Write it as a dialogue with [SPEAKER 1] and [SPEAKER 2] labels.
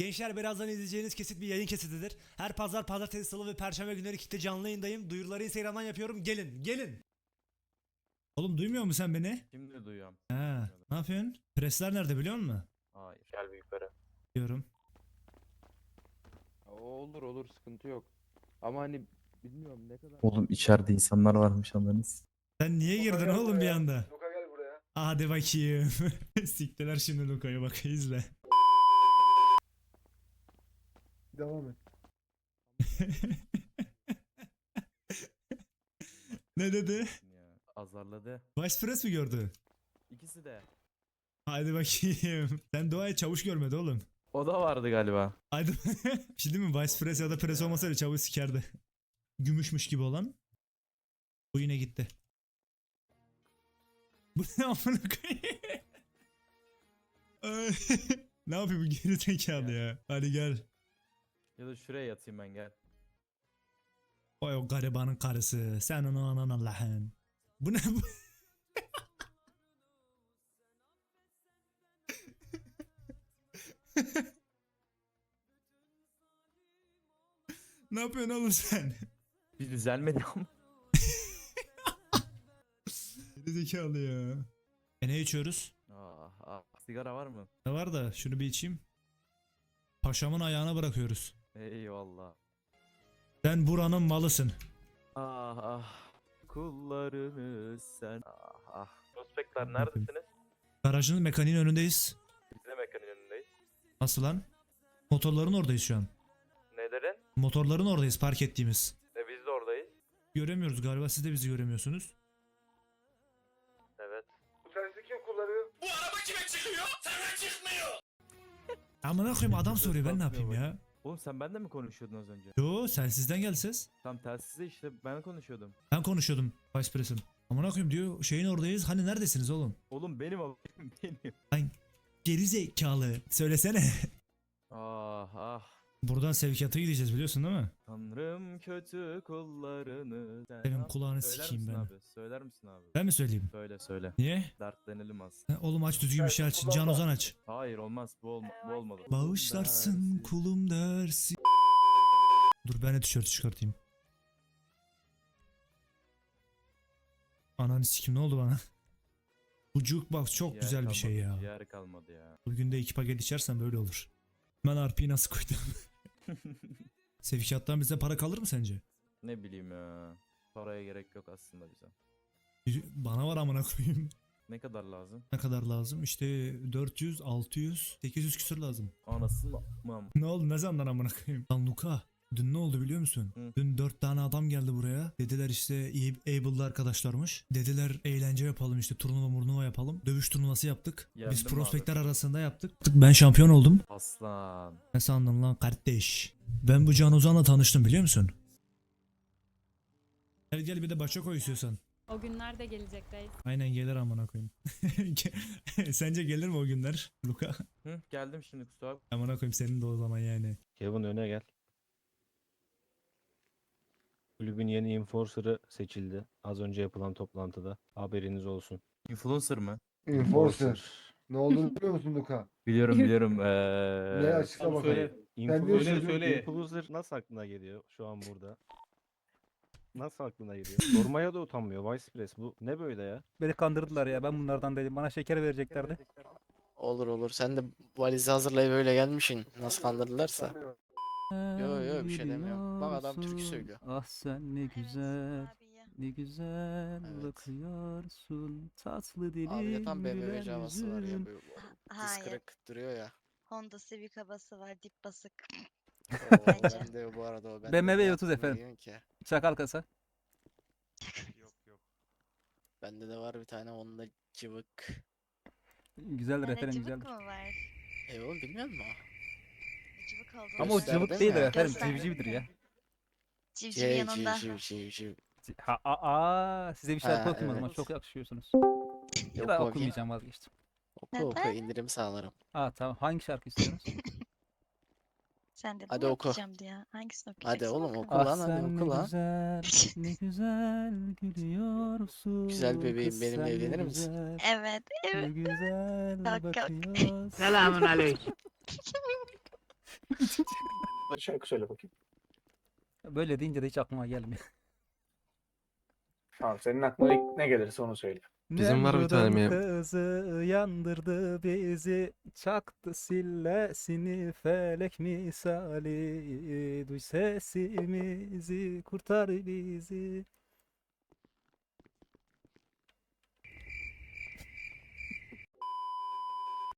[SPEAKER 1] Gençler birazdan izleyeceğiniz kesit bir yayın kesitidir. Her pazar, pazartesi, salı ve perşembe günleri Kick'te canlı yayındayım. Duyuruları Instagram'dan yapıyorum. Gelin, gelin. Oğlum duymuyor musun sen beni?
[SPEAKER 2] Şimdi duyuyorum.
[SPEAKER 1] Ha, ne yapıyorsun? Presler nerede biliyor musun?
[SPEAKER 2] Hayır. Gel bir yukarı.
[SPEAKER 1] Diyorum.
[SPEAKER 3] Olur olur, sıkıntı yok. Ama hani bilmiyorum ne kadar.
[SPEAKER 4] Oğlum içeride insanlar varmış anladınız.
[SPEAKER 1] Sen niye girdin oğlum bir anda?
[SPEAKER 3] Luka gel buraya.
[SPEAKER 1] Hadi bakayım. Siktiler şimdi Luka'ya, bak izle.
[SPEAKER 3] Devam et.
[SPEAKER 1] Ne dedi?
[SPEAKER 2] Ya, azarladı.
[SPEAKER 1] Vice Press mi gördü?
[SPEAKER 2] İkisi de.
[SPEAKER 1] Hadi bakayım. Sen Doğa'yı çavuş görmedi oğlum.
[SPEAKER 2] O da vardı galiba.
[SPEAKER 1] Hadi. Bir şey değil mi? Vice Press ya da Press olmasaydı çavuş sikerdi. Gümüşmüş gibi olan. Bu yine gitti. Bu ne amına koyayım? Ay, ne yapıyor bu geri zekalı ya? Hadi gel.
[SPEAKER 2] Ya da şuraya yatayım ben, gel.
[SPEAKER 1] Vay o garibanın karısı. Sen onu anan Allah'ın. Bu ne bu? Ne yapıyorsun oğlum sen?
[SPEAKER 2] Bir düzelmedi ama.
[SPEAKER 1] Geri zekalı ya. Ne içiyoruz?
[SPEAKER 2] Sigara var mı?
[SPEAKER 1] Ne var da şunu bir içeyim. Paşamın ayağına bırakıyoruz.
[SPEAKER 2] Eyvallah.
[SPEAKER 1] Sen buranın malısın.
[SPEAKER 2] Ah ah. Kullarımız sen. Ah ah. Prospektler neredesiniz?
[SPEAKER 1] Garajın mekaniğin önündeyiz.
[SPEAKER 2] Biz de mekanın önündeyiz.
[SPEAKER 1] Nasıl lan? Motorların oradayız şu an.
[SPEAKER 2] Nelerin?
[SPEAKER 1] Motorların oradayız park ettiğimiz.
[SPEAKER 2] Biz de oradayız.
[SPEAKER 1] Göremiyoruz galiba, siz de bizi göremiyorsunuz.
[SPEAKER 2] Evet.
[SPEAKER 3] Bu telsizi kim kullanıyor?
[SPEAKER 1] Amına koyayım, adam soruyor, ben ne yapayım ya?
[SPEAKER 2] Oğlum sen benimle mi konuşuyordun az önce?
[SPEAKER 1] Yo, sensizden gel ses.
[SPEAKER 2] Tam telsizde işte ben konuşuyordum.
[SPEAKER 1] Ben konuşuyordum Vice Press'im. Amına koyayım diyor, şeyin oradayız, hani neredesiniz oğlum?
[SPEAKER 2] Oğlum benim o benim.
[SPEAKER 1] Lan geri zekalı, söylesene.
[SPEAKER 2] Ah ah.
[SPEAKER 1] Buradan sevkiyata gideceğiz biliyorsun değil mi?
[SPEAKER 2] Tanrım kötü kullarını sen
[SPEAKER 1] Benim
[SPEAKER 2] al.
[SPEAKER 1] kulağını
[SPEAKER 2] Söyler
[SPEAKER 1] sikeyim
[SPEAKER 2] misin
[SPEAKER 1] ben.
[SPEAKER 2] abi? Söyler misin abi?
[SPEAKER 1] Ben mi söyleyeyim?
[SPEAKER 2] Söyle söyle.
[SPEAKER 1] Niye?
[SPEAKER 2] Dertlenelim az.
[SPEAKER 1] Ha, oğlum aç düzgün bir şey aç. Can Ozan aç.
[SPEAKER 2] Hayır olmaz, bu olmalı.
[SPEAKER 1] Bağışlarsın
[SPEAKER 2] Dersin.
[SPEAKER 1] kulum dersi. Dur ben de tişörtü çıkartayım. Ananı sikim, ne oldu bana? Bu jukebox çok
[SPEAKER 2] Ciğer
[SPEAKER 1] güzel bir şey
[SPEAKER 2] kalmadı,
[SPEAKER 1] ya.
[SPEAKER 2] Ciğer kalmadı ya.
[SPEAKER 1] Bugün de 2 paket içersen böyle olur. Ben RP'yi nasıl koydum? Sevkiyattan bize para kalır mı sence?
[SPEAKER 2] Ne bileyim ya. Paraya gerek yok aslında bize.
[SPEAKER 1] Bana var amına koyayım.
[SPEAKER 2] Ne kadar lazım?
[SPEAKER 1] Ne kadar lazım? İşte 400, 600, 800 küsür lazım.
[SPEAKER 2] Anasını mı?
[SPEAKER 1] Ne oldu, ne zamandan amına koyayım? Lan Luka, dün ne oldu biliyor musun?
[SPEAKER 2] Hı.
[SPEAKER 1] Dün 4 tane adam geldi buraya. Dediler işte Able'lı arkadaşlarmış. Dediler eğlence yapalım, işte turnuva yapalım. Dövüş turnuvası yaptık.
[SPEAKER 2] Yendim
[SPEAKER 1] Biz
[SPEAKER 2] mi
[SPEAKER 1] prospektler
[SPEAKER 2] abi?
[SPEAKER 1] arasında yaptık. Ben şampiyon oldum.
[SPEAKER 2] Aslan.
[SPEAKER 1] Ne sandın lan kardeş? Ben bu Can Ozan'la tanıştım biliyor musun? Gel gel, bir de başa koy istiyorsan.
[SPEAKER 5] O günler de gelecek reis.
[SPEAKER 1] Aynen gelir amına koyayım. Sence gelir mi o günler Luka?
[SPEAKER 2] Hı, geldim şimdi kusura bakma.
[SPEAKER 1] Amına koyayım senin de o zaman yani.
[SPEAKER 6] Kevin öne gel. Kulübün yeni enforcer'ı seçildi. Az önce yapılan toplantıda. Haberiniz olsun.
[SPEAKER 2] Influencer mı?
[SPEAKER 3] Enforcer. Ne olduğunu biliyor musun Luka?
[SPEAKER 2] Biliyorum biliyorum.
[SPEAKER 3] Ne açıkla bakalım. Sen diyorsun
[SPEAKER 6] Influencer nasıl aklına geliyor şu an burada? Nasıl aklına geliyor? Sormaya da utanmıyor. Vice Press bu ne böyle ya?
[SPEAKER 7] Beni kandırdılar ya, ben bunlardan değilim. Bana şeker vereceklerdi.
[SPEAKER 8] Olur olur. Sen de valizi hazırlayıp öyle gelmişsin. Nasıl kandırdılarsa. Yo, bir şey demiyorum. Bak adam türkü söylüyor.
[SPEAKER 7] Ah sen ne güzel, ne güzel
[SPEAKER 8] Evet.
[SPEAKER 7] bakıyorsun. Tatlı dilin,
[SPEAKER 8] Abi de tam BMW
[SPEAKER 7] gülen
[SPEAKER 8] havası var ya.
[SPEAKER 7] yüzün.
[SPEAKER 8] Böyle diz
[SPEAKER 9] Hayır.
[SPEAKER 8] kırık duruyor ya.
[SPEAKER 9] Honda Civic havası var, dip basık.
[SPEAKER 8] Oo,
[SPEAKER 9] Bence.
[SPEAKER 8] ben de bu arada o. Ben
[SPEAKER 7] BMW
[SPEAKER 8] de
[SPEAKER 7] 30
[SPEAKER 8] aklıma
[SPEAKER 7] efendim.
[SPEAKER 8] geliyor ki.
[SPEAKER 7] Çakal kasa.
[SPEAKER 8] Bende de var bir tane Honda Civic.
[SPEAKER 7] Güzel
[SPEAKER 9] Yani
[SPEAKER 7] efendim,
[SPEAKER 9] cıvık
[SPEAKER 7] güzeldir.
[SPEAKER 9] mı var?
[SPEAKER 8] Oğlum bilmiyor musun?
[SPEAKER 9] Cıvık olduğunu
[SPEAKER 7] Ama o
[SPEAKER 8] Gösterdi
[SPEAKER 7] cıvık
[SPEAKER 8] mi?
[SPEAKER 7] değildir efendim,
[SPEAKER 9] Gösterdi
[SPEAKER 7] civcivdir
[SPEAKER 9] mi?
[SPEAKER 7] ya.
[SPEAKER 9] Civciv yanında.
[SPEAKER 8] Civ.
[SPEAKER 7] Size bir şarkı
[SPEAKER 8] Ha,
[SPEAKER 7] okuyayım o zaman,
[SPEAKER 8] evet.
[SPEAKER 7] çok yakışıyorsunuz.
[SPEAKER 8] Oku
[SPEAKER 7] Ya da
[SPEAKER 8] bakayım.
[SPEAKER 7] okumayacağım, vazgeçtim.
[SPEAKER 8] Oku
[SPEAKER 9] Neden?
[SPEAKER 8] indirim sağlarım.
[SPEAKER 7] Tamam, hangi şarkı istiyorsunuz?
[SPEAKER 9] Sen dedin
[SPEAKER 8] Hadi
[SPEAKER 9] ya
[SPEAKER 8] oku.
[SPEAKER 9] okuyacağım diye. Hangisini
[SPEAKER 8] Hadi
[SPEAKER 9] okuyacaksın?
[SPEAKER 8] oğlum
[SPEAKER 9] Oku.
[SPEAKER 8] oku lan, hadi
[SPEAKER 7] sen
[SPEAKER 8] oku
[SPEAKER 7] ne
[SPEAKER 8] lan.
[SPEAKER 7] güzel, ne güzel gülüyorsun.
[SPEAKER 8] Güzel bebeğim,
[SPEAKER 7] kız
[SPEAKER 8] benimle
[SPEAKER 7] sen ne
[SPEAKER 8] evlenir misin?
[SPEAKER 7] güzel,
[SPEAKER 9] Evet,
[SPEAKER 7] Ne
[SPEAKER 9] evet.
[SPEAKER 7] güzel
[SPEAKER 9] Kalk, kalk.
[SPEAKER 7] bakıyorsun.
[SPEAKER 10] Selamun aleyküm. Şarkı söyle bakayım.
[SPEAKER 7] Böyle deyince de hiç aklıma gelmiyor.
[SPEAKER 10] Tamam, senin aklına ilk ne gelirse onu söyle.
[SPEAKER 11] Bizim var bir tane
[SPEAKER 7] Kızı yandırdı bizi, çaktı sillesini felek misali. Duy sesimizi, kurtar bizi.